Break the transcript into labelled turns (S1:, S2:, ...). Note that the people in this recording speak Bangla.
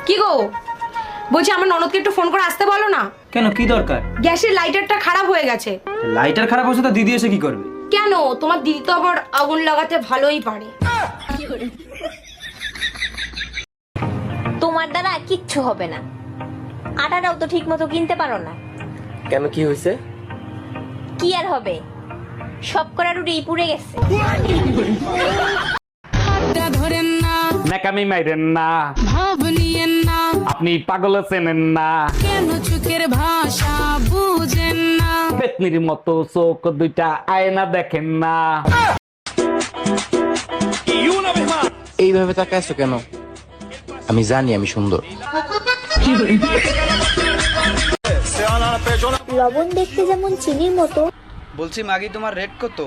S1: কি গো, বলছি আমার ননদকে একটু ফোন করে আসতে বলো না।
S2: কেন, কি দরকার?
S1: গ্যাসের লাইটারটা খারাপ হয়ে গেছে।
S2: লাইটার খারাপ হচ্ছে তো দিদি এসে কি করবে?
S1: কেন, তোমার দিদি তো আবার আগুন লাগাতে ভালোই পারে।
S3: তোমার দ্বারা কিচ্ছু হবে না, আটাটাও তো ঠিক মতো কিনতে পারো না।
S4: কেন, কি হয়েছে?
S3: কি আর হবে, সব করা রুটি পুড়ে গেছে।
S5: নাকামি মাইরেন না,
S6: ভাব নিয়েন না,
S5: আপনি পাগল চেনেন না,
S6: কেন চোখের ভাষা বুঝেন না।
S5: পেতনির মতো চোখ দুইটা আয়না দেখেন না।
S4: এইভাবে তাকাইছো কেন? আমি জানি আমি সুন্দর।
S7: লবণ দেখতে যেমন চিনির মতো,
S8: বলছি মাগি তোমার রেট কত?